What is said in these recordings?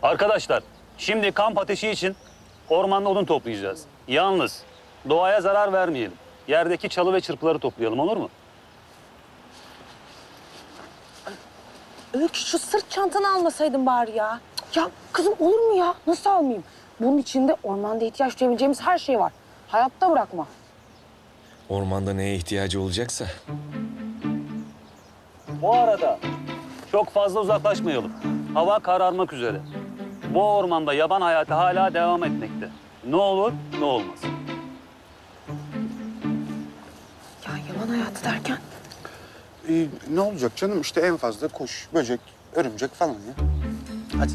Arkadaşlar, şimdi kamp ateşi için ormanda odun toplayacağız. Yalnız doğaya zarar vermeyelim. Yerdeki çalı ve çırpıları toplayalım, olur mu? Öykü, şu sırt çantanı almasaydın bari ya. Ya kızım, olur mu ya? Nasıl almayayım? Bunun içinde ormanda ihtiyaç duyabileceğimiz her şey var. Hayatta bırakma. Ormanda neye ihtiyacı olacaksa. Bu arada çok fazla uzaklaşmayalım. Hava kararmak üzere. Bu ormanda yaban hayatı hala devam etmekte. Ne olur, ne olmaz. Ya yaban hayatı derken? Ne olacak canım? İşte en fazla kuş, böcek, örümcek falan ya. Hadi.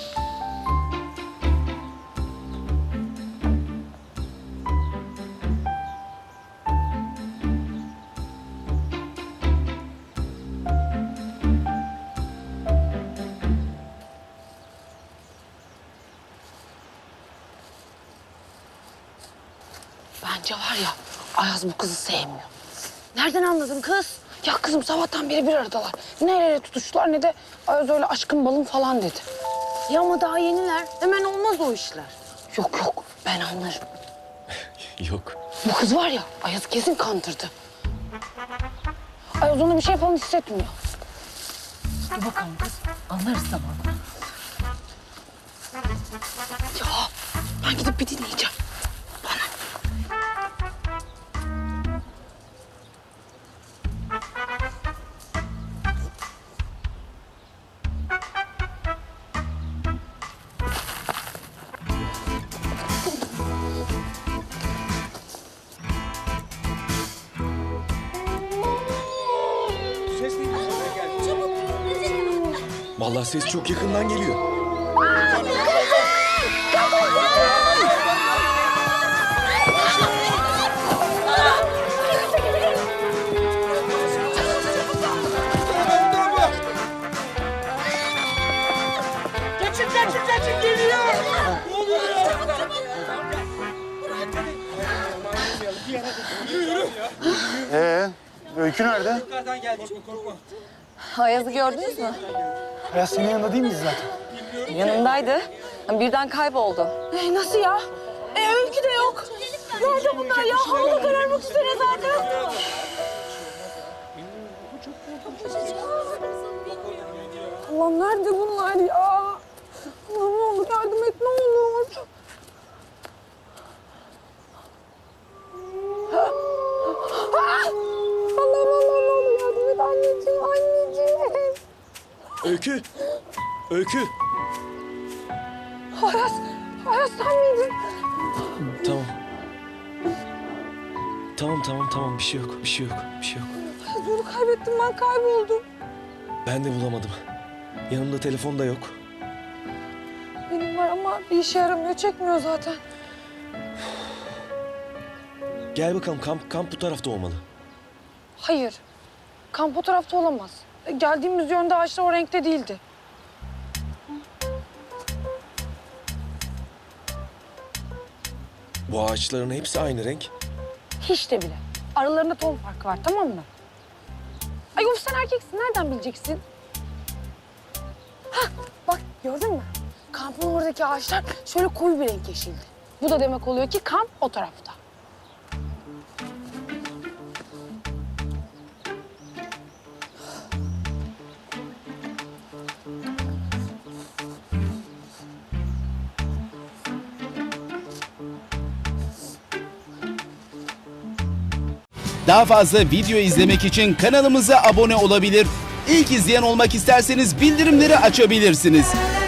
Bence var ya, Ayaz bu kızı sevmiyor. Nereden anladın kız? Ya kızım, sabahtan beri bir aradalar. Ne el ele tutuştular ne de Ayaz öyle aşkın balım falan dedi. Ya ama daha yeniler. Hemen olmaz o işler. Yok yok, ben anlarım. Yok. Bu kız var ya, Ayaz'ı kesin kandırdı. Ayaz ona bir şey falan hissetmiyor. Dur bakalım kız, anlarız zamanla. Ya ben gidip bir dinleyeceğim. Vallahi ses çok yakından geliyor. Kaçın geliyor. Ne oluyor ya? Öykü nerede? Ayaz'ı gördünüz mü? Ayaz senin yanında değil miyiz zaten? Yanındaydı. Birden kayboldu. Nasıl ya? Öykü de yok. Nerede bunlar ya? Havada kararmak üzere zaten. Allah'ım, nerede bunlar ya? Allah'ım, ne olur yardım et, ne olur. Allah'ım, ne olur yardım et anneciğim, anneciğim. Öykü! Öykü! Ayaz sen miydin? Tamam. Tamam. Bir şey yok. Ayaz, yolu kaybettim, ben kayboldum. Ben de bulamadım. Yanımda telefon da yok. Benim var ama bir işe yaramıyor, çekmiyor zaten. Gel bakalım, kamp bu tarafta olmalı. Hayır, kamp o tarafta olamaz. Geldiğimiz yönde ağaçlar o renkte değildi. Bu ağaçların hepsi aynı renk. Hiç de bile. Aralarında ton farkı var, tamam mı? Ay of, sen erkeksin, nereden bileceksin? Hah, bak gördün mü? Kampın oradaki ağaçlar şöyle koyu bir renk yeşildi. Bu da demek oluyor ki kamp o tarafta. Daha fazla video izlemek için kanalımıza abone olabilir. İlk izleyen olmak isterseniz bildirimleri açabilirsiniz.